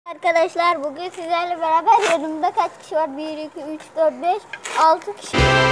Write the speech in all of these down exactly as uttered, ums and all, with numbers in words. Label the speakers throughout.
Speaker 1: Arkadaşlar bugün sizlerle beraber yanımda kaç kişi var? bir, iki, üç, dört, beş, altı kişi.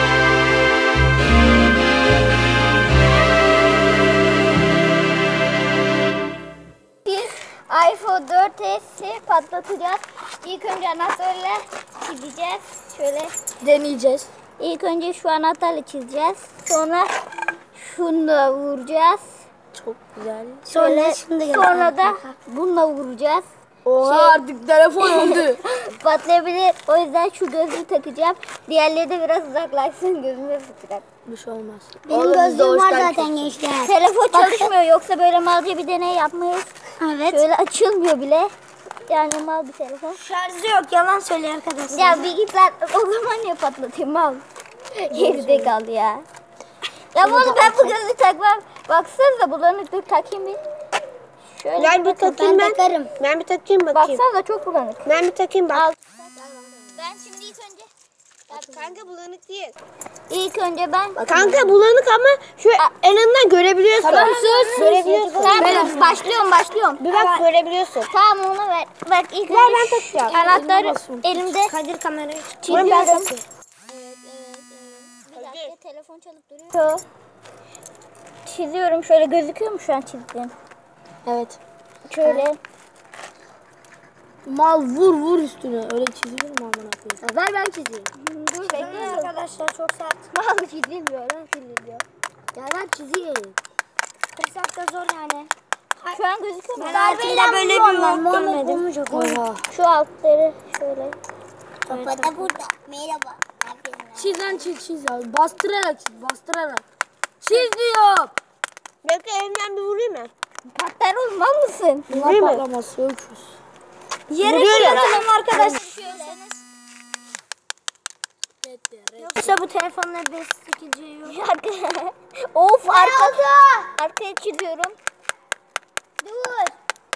Speaker 1: Bir iPhone dört S'i patlatacağız. İlk önce anahtarla çizeceğiz. Şöyle deneyeceğiz. İlk önce şu anahtarla çizeceğiz. Sonra şunu da vuracağız.
Speaker 2: Çok güzel.
Speaker 1: Şöyle, sonra da bununla vuracağız.
Speaker 2: Oha şey, artık telefon öldü.
Speaker 1: Patlayabilir. O yüzden şu gözlüğü takacağım. Diğerleri de biraz uzaklaşsın, gözüme fıtacak.
Speaker 2: Bir şey olmaz.
Speaker 3: Benim gözlüğüm var zaten gençler.
Speaker 1: Telefon çalışmıyor, yoksa böyle malca bir deney yapmayız.
Speaker 3: Evet.
Speaker 1: Şöyle açılmıyor bile. Yani mal bir telefon.
Speaker 3: Şarjı yok, yalan söylüyor arkadaşlar.
Speaker 1: Ya bir git lan, o zaman niye patlatayım mal? Geride kaldı ya. Ya bunu ben bu gözlüğü takmam. Baksanıza bulanık, dur takayım bir. Şöyle
Speaker 3: ben bir takayım ben.
Speaker 1: Takarım.
Speaker 3: Ben bir takayım bakayım.
Speaker 1: Baksanıza çok bulanık.
Speaker 3: Ben bir takayım bak.
Speaker 1: Al. Ben şimdi ilk önce.
Speaker 3: Kanka bulanık değil.
Speaker 1: İlk önce ben.
Speaker 3: Kanka bulanık ama şu en azından görebiliyorsun.
Speaker 1: Tamam sus.
Speaker 3: Görebiliyorsun.
Speaker 1: Tamam ben başlıyorum başlıyorum.
Speaker 3: Bir bak görebiliyorsun.
Speaker 1: Tamam onu ver. Bak ilk
Speaker 3: Ver,
Speaker 1: önce
Speaker 3: ben takacağım.
Speaker 1: anahtarı elimde
Speaker 3: Kadir kamerayı
Speaker 1: çiziyorum.
Speaker 3: Ben
Speaker 1: Evet, evet, evet. Bir dakika, telefon çalıp duruyor. Çiziyorum, şöyle gözüküyor mu şu an çizdiğim?
Speaker 2: Evet.
Speaker 1: Şöyle.
Speaker 2: Mal vur vur üstüne. Öyle çizilir mi amına koyayım?
Speaker 1: Ver ben çizeyim. Dur bekle
Speaker 3: arkadaşlar çok sert.
Speaker 1: Mal çizilmiyor lan çiziliyor.
Speaker 2: Ya ben çizeyim.
Speaker 3: Kırsak da zor yani.
Speaker 1: Şu an gözüküyor mu?
Speaker 3: Ben hayatımda böyle bir yok görmedim.
Speaker 2: Oha.
Speaker 1: Şu altları şöyle.
Speaker 3: Baba da burada. Merhaba.
Speaker 2: Çiz lan çiz çiz ya. Bastırarak çiz bastırarak. Çiz diyor.
Speaker 3: Belki elimden bir vurayım mı?
Speaker 1: Patlar olmaz mısın?
Speaker 2: Bunlar
Speaker 3: mi?
Speaker 2: patlamaz. Öküz.
Speaker 1: Yere
Speaker 3: Vuruyorum.
Speaker 1: fırlatalım arkadaşlar.
Speaker 3: Yoksa bu telefonla beş sekiz yok.
Speaker 1: Of arka, arkaya çiziyorum. Dur.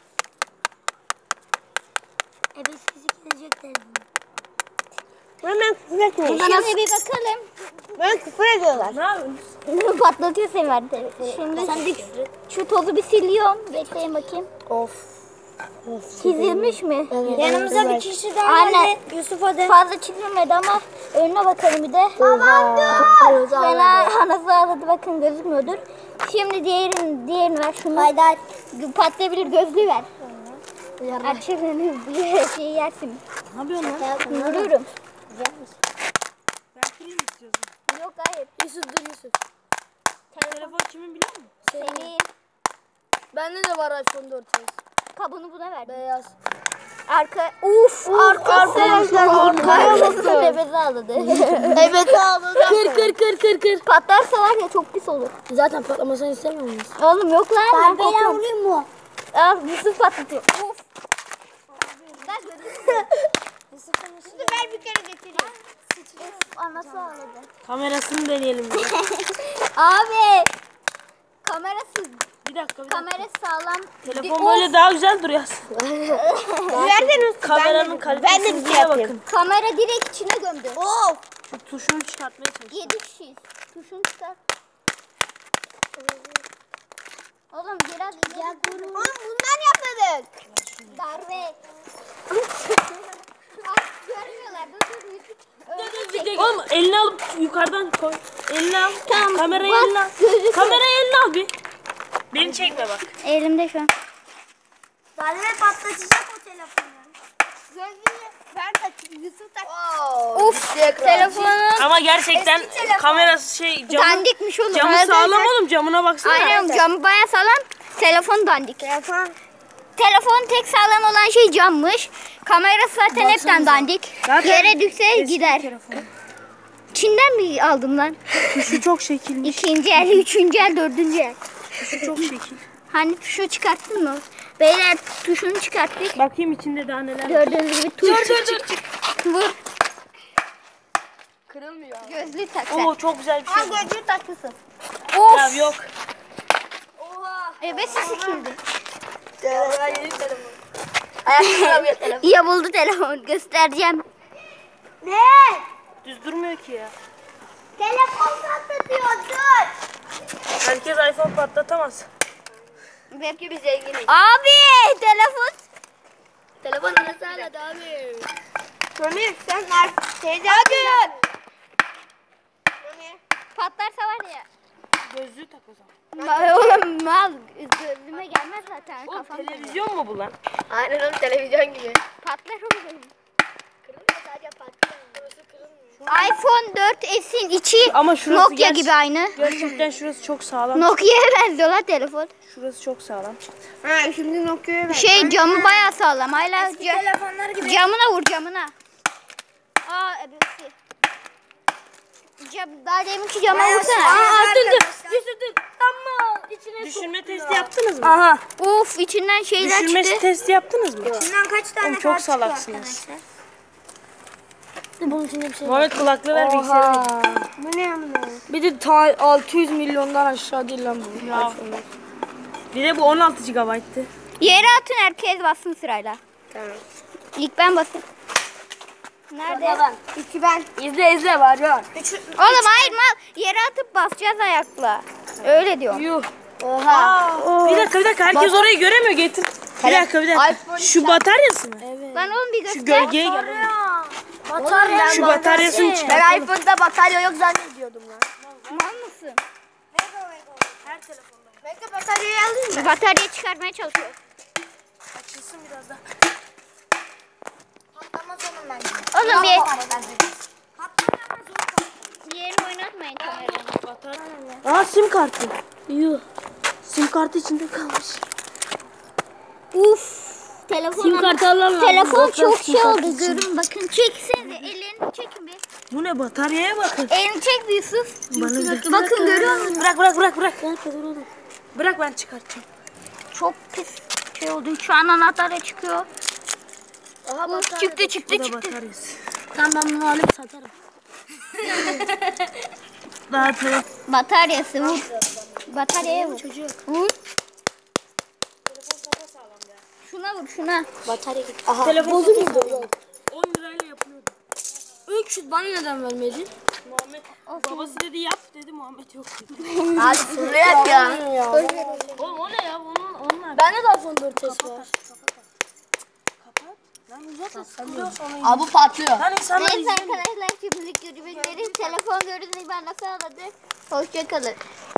Speaker 3: E beş sekiz gelecek telefon. Hemen küfür etmeyin.
Speaker 1: Şimdi bir bakalım.
Speaker 3: Ben küfür ediyorlar.
Speaker 2: Ne yapıyorsun?
Speaker 1: Patlatıyor seni ver telefonu. Şimdi
Speaker 3: Sen de küfür et.
Speaker 1: şu tozu bir siliyorum. Bekleyin bakayım.
Speaker 2: Of.
Speaker 1: Çizilmiş mi?
Speaker 2: Evet.
Speaker 3: Yanımıza bir kişi daha
Speaker 1: Aynen.
Speaker 3: geldi. Yusuf hadi.
Speaker 1: Fazla çizilmedi ama önüne bakalım bir de.
Speaker 2: Oha.
Speaker 1: Fena anası ağladı, bakın gözükmüyordur. Şimdi diğerini, diğerini ver şunu.
Speaker 3: Haydar.
Speaker 1: Patlayabilir, gözlüğü ver. Açılın diye şey yersin.
Speaker 2: Ne yapıyorsun lan?
Speaker 1: Vuruyorum.
Speaker 2: Ben film istiyorsun.
Speaker 1: Yok hayır.
Speaker 2: Yusuf dur Yusuf. Telefon kimin biliyor musun?
Speaker 1: Senin
Speaker 2: Bende de var iPhone dört S.
Speaker 1: kabını buna ver.
Speaker 2: Beyaz.
Speaker 1: Arka, uf, arkası.
Speaker 3: arkadaşlar,
Speaker 1: Arkası bebezi ağladı.
Speaker 3: Evet ağladı.
Speaker 2: Kır kır kır kır kır.
Speaker 1: Patlarsa var ya çok pis olur.
Speaker 2: Zaten patlamasını istemiyor muyuz?
Speaker 1: Oğlum yok lan. Ben
Speaker 3: Darbeyle
Speaker 1: korkuyorum.
Speaker 3: vurayım mı?
Speaker 1: Al Yusuf patlatıyor. Uf.
Speaker 3: Yusuf'u ver bir kere getireyim.
Speaker 1: Uf, anası ağladı.
Speaker 2: Kamerasını deneyelim.
Speaker 1: Abi. Kamerası,
Speaker 2: Bir dakika bir dakika.
Speaker 1: kamera sağlam.
Speaker 2: Telefon
Speaker 1: Of,
Speaker 2: böyle daha güzel duruyor.
Speaker 3: Verdin
Speaker 2: Kameranın
Speaker 3: Ben
Speaker 2: kalitesine
Speaker 3: de bir şey yapayım.
Speaker 2: bakın.
Speaker 1: kamera direkt içine gömdü.
Speaker 3: Of.
Speaker 2: Şu tuşunu çıkartmaya çalış.
Speaker 1: Yedi kişiyiz. Tuşunu çıkar. Oğlum biraz ya
Speaker 3: Oğlum bundan yapmadık.
Speaker 1: darbe. Bak, görmüyorlar. Dur dur Yusuf. Öyle
Speaker 2: Oğlum elini alıp yukarıdan koy. Elini al.
Speaker 1: Tamam,
Speaker 2: Kamerayı
Speaker 1: bak,
Speaker 2: eline al.
Speaker 1: gözüküyor.
Speaker 2: Kamerayı eline al bir. Beni çekme bak.
Speaker 1: Elimde şu an.
Speaker 3: Darbe patlatacak o telefonu. Gözlüğü ben takayım. Yusuf tak.
Speaker 1: Uf, telefonun
Speaker 2: Ama gerçekten
Speaker 3: Eski telefon.
Speaker 2: kamerası şey camı,
Speaker 1: dandikmiş oğlum.
Speaker 2: camı
Speaker 1: Evet,
Speaker 2: sağlam
Speaker 1: evet.
Speaker 2: oğlum, camına baksana.
Speaker 1: Aynen, camı bayağı sağlam. Telefon dandik.
Speaker 3: Telefon.
Speaker 1: Telefon tek sağlam olan şey cammış. Kamerası zaten hepten
Speaker 2: Baksanıza.
Speaker 1: dandik.
Speaker 2: Zaten
Speaker 1: Yere düşse
Speaker 2: eski
Speaker 1: gider.
Speaker 2: telefon.
Speaker 1: Çin'den mi aldım lan?
Speaker 2: Tuşu çok şekilmiş.
Speaker 1: İkinci el, üçüncü el, dördüncü el.
Speaker 2: Tuşu çok şekil.
Speaker 1: Hani tuşu çıkarttın mı? Beyler tuşunu çıkarttık.
Speaker 2: Bakayım içinde daha neler var.
Speaker 1: Gördüğünüz gibi tuş.
Speaker 2: Dur dur dur.
Speaker 1: Vur.
Speaker 2: Kırılmıyor.
Speaker 1: Gözlüğü tak sen.
Speaker 2: Oo çok güzel bir
Speaker 3: Ha
Speaker 2: şey.
Speaker 3: gözlüğü takmışsın.
Speaker 1: Of.
Speaker 2: Ya yok.
Speaker 1: Evet sikildi.
Speaker 3: Yeni telefon.
Speaker 2: Ayakta telefon.
Speaker 1: Ya buldu telefon. Göstereceğim.
Speaker 3: Ne?
Speaker 2: Düz durmuyor ki ya.
Speaker 3: Telefon patlatıyor dur.
Speaker 2: Herkes iPhone patlatamaz.
Speaker 3: Belki biz zenginiz.
Speaker 1: Abi telefon.
Speaker 3: Telefon arası hala devam ediyor. Mami sen nerede? Teyze hadi. Mami.
Speaker 1: Patlarsa var ya.
Speaker 2: Gözlüğü tak o zaman.
Speaker 1: Ma- Oğlum mal gözüme gelmez zaten
Speaker 2: Oğlum
Speaker 1: kafam.
Speaker 2: televizyon mu bu lan?
Speaker 3: Aynen oğlum televizyon gibi.
Speaker 1: Patlar oğlum.
Speaker 3: Kırılmıyor sadece patlıyor. Burası kırılmıyor.
Speaker 1: iPhone dört S'in içi
Speaker 2: Ama şurası
Speaker 1: Nokia
Speaker 2: gerçi-
Speaker 1: gibi aynı.
Speaker 2: Gerçekten şurası çok sağlam.
Speaker 1: Nokia'ya benziyor lan telefon.
Speaker 2: Şurası çok sağlam.
Speaker 3: Ha şimdi Nokia'ya ver.
Speaker 1: Şey camı bayağı sağlam. Hala
Speaker 3: Eski
Speaker 1: ca-
Speaker 3: telefonlar gibi.
Speaker 1: camına vur camına. Aa ebesi. Cam, daha deminki cama vursana.
Speaker 3: Aa,
Speaker 2: Düşürdüm.
Speaker 3: arkadaşlar.
Speaker 2: Düşürdüm. Tamam. İçine Düşürme testi yaptınız mı?
Speaker 3: Aha.
Speaker 1: Uf içinden şeyler
Speaker 2: Düşürme
Speaker 1: çıktı.
Speaker 2: testi yaptınız mı?
Speaker 3: İçinden kaç tane
Speaker 2: Oğlum çok
Speaker 3: kart çıkıyor
Speaker 2: salaksınız.
Speaker 3: arkadaşlar?
Speaker 2: Bunun içinde bir şey Muhammed kulaklığı ver bilgisayarı.
Speaker 3: Bu ne amına?
Speaker 2: Bir de ta altı yüz milyondan aşağı değil lan bu. Ya. Bir de bu on altı gigabayttı.
Speaker 1: Yere atın herkes bassın sırayla.
Speaker 3: Tamam.
Speaker 1: İlk ben basayım. Nerede?
Speaker 3: İki ben.
Speaker 2: İzle izle var ya.
Speaker 3: Üç.
Speaker 1: Oğlum hayır mal yere atıp basacağız ayakla. Öyle diyorum.
Speaker 2: Yuh.
Speaker 3: Oha.
Speaker 2: Bir dakika bir dakika herkes orayı göremiyor getir. Bir dakika bir dakika. Şu bataryası mı? Evet.
Speaker 1: Lan oğlum bir
Speaker 2: Şu
Speaker 1: göster.
Speaker 2: gölgeye gel.
Speaker 3: Batarya.
Speaker 2: Şu bataryasını çıkar.
Speaker 3: Ben iPhone'da batarya yok zannediyordum lan.
Speaker 1: Mal mısın?
Speaker 3: Her telefonda. Bekle bataryayı alayım mı?
Speaker 1: Bataryayı çıkarmaya çalışıyor.
Speaker 2: Açılsın biraz daha.
Speaker 3: Patlamaz onun bence.
Speaker 1: Oğlum bir
Speaker 3: Patlamaz onun.
Speaker 1: yerini oynatmayın kameranı.
Speaker 2: Aa sim kartı. Yuh. Sim kartı içinde kalmış.
Speaker 1: Uf. Telefon
Speaker 2: Sim kartı alalım.
Speaker 1: Telefon çok şey oldu. Görün bakın. Çeksenize. Ellerini çekin bir.
Speaker 2: Bu ne bataryaya bakın.
Speaker 1: Elini çek bir Yusuf.
Speaker 2: Bana
Speaker 1: Bakın görüyor musun?
Speaker 2: Bırak bırak bırak bırak. Bırak ben çıkartacağım.
Speaker 1: Çok pis şey oldu. Şu an anahtarla çıkıyor. Uf, çıktı çıktı
Speaker 2: Bu da
Speaker 1: çıktı.
Speaker 2: bataryası.
Speaker 3: Tamam ben bunu alıp satarım.
Speaker 2: Daha telefon.
Speaker 1: Bataryası vur. Bataryaya vur. Vur. Şuna vur şuna.
Speaker 3: Batarya gitti. Aha.
Speaker 2: Telefon
Speaker 3: Bozuk mu?
Speaker 2: on lirayla yapılıyordu.
Speaker 3: üç yüz bana neden vermedin?
Speaker 2: Muhammed babası dedi yap dedi Muhammed yok dedi.
Speaker 3: Hadi şunu yap ya.
Speaker 2: Oğlum o ne ya bunun onlar.
Speaker 3: Bende de iPhone dört S var.
Speaker 2: Lan uzatma sıkılıyor sonra.
Speaker 3: Abi bu patlıyor.
Speaker 2: Lan insanlar
Speaker 1: Neyse
Speaker 2: izliyor.
Speaker 1: arkadaşlar şimdilik görüşmek üzere. Telefon görüntüsü ben nasıl aladı. Hoşçakalın.